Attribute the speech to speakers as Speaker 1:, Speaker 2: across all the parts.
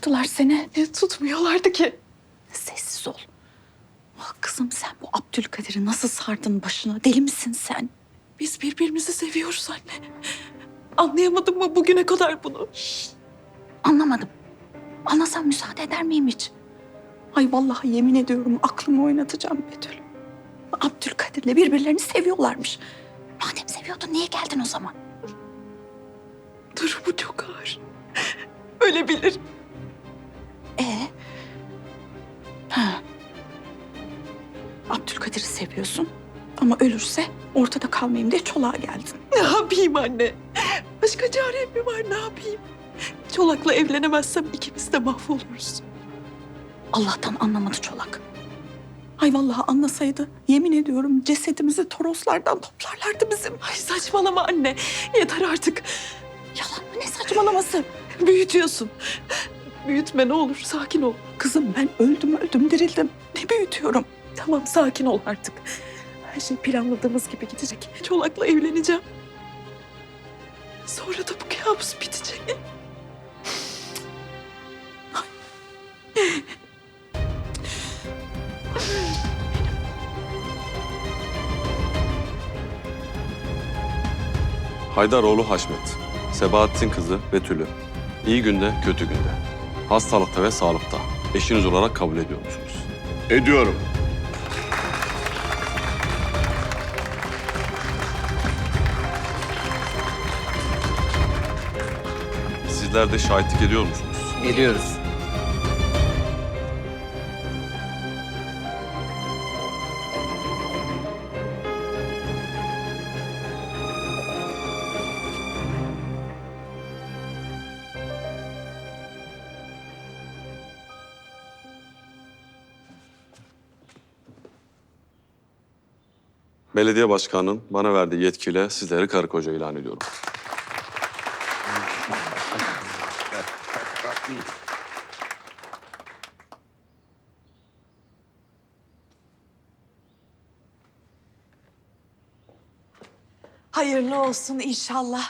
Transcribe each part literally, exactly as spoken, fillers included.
Speaker 1: tuttular seni.
Speaker 2: E, tutmuyorlardı ki.
Speaker 1: Sessiz ol. Ah kızım sen bu Abdülkadir'i nasıl sardın başına? Deli misin sen?
Speaker 2: Biz birbirimizi seviyoruz anne. Anlayamadın mı bugüne kadar bunu?
Speaker 1: Anlamadım. Anlasam müsaade eder miyim hiç? Ay vallahi yemin ediyorum aklımı oynatacağım Betül. Abdülkadir'le birbirlerini seviyorlarmış. Madem seviyordun niye geldin o zaman?
Speaker 2: Durumu çok ağır. Ölebilir.
Speaker 1: Ee? Ha. Abdülkadir'i seviyorsun ama ölürse ortada kalmayayım diye çoluğa geldin.
Speaker 2: Ne yapayım anne? Başka çarem mi var, ne yapayım? Çolak'la evlenemezsem ikimiz de mahvoluruz.
Speaker 1: Allah'tan anlamadı çolak. Ay vallahi anlasaydı yemin ediyorum cesedimizi Toroslardan toplarlardı bizim.
Speaker 2: Ay saçmalama anne. Yeter artık.
Speaker 1: Yalan mı ne saçmalaması?
Speaker 2: Büyütüyorsun. Büyütme ne olur, sakin ol.
Speaker 1: Kızım ben öldüm öldüm dirildim. Ne büyütüyorum?
Speaker 2: Tamam, sakin ol artık. Her şey planladığımız gibi gidecek. Çolak'la evleneceğim. Sonra da bu kabus bitecek.
Speaker 3: Haydaroğlu Haşmet, Sebahattin kızı Betül'ü iyi günde kötü günde, hastalıkta ve sağlıkta eşiniz olarak kabul ediyor musunuz?
Speaker 4: Ediyorum.
Speaker 3: Sizler de şahitlik ediyor musunuz?
Speaker 5: Geliyoruz.
Speaker 3: Belediye başkanının bana verdiği yetkiyle sizleri karı koca ilan ediyorum.
Speaker 6: Hayırlı olsun inşallah.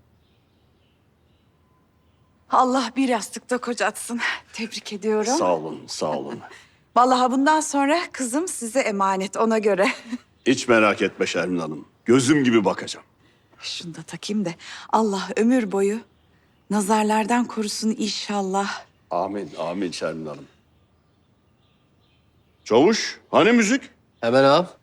Speaker 6: Allah bir yastıkta kocatsın. Tebrik ediyorum.
Speaker 4: Sağ olun, sağ olun.
Speaker 6: Vallahi bundan sonra kızım size emanet ona göre.
Speaker 4: Hiç merak etme Şermin Hanım. Gözüm gibi bakacağım.
Speaker 6: Şunu da takayım da Allah ömür boyu nazarlardan korusun inşallah.
Speaker 4: Amin, amin Şermin Hanım. Çavuş, hani müzik?
Speaker 5: Hemen ağam.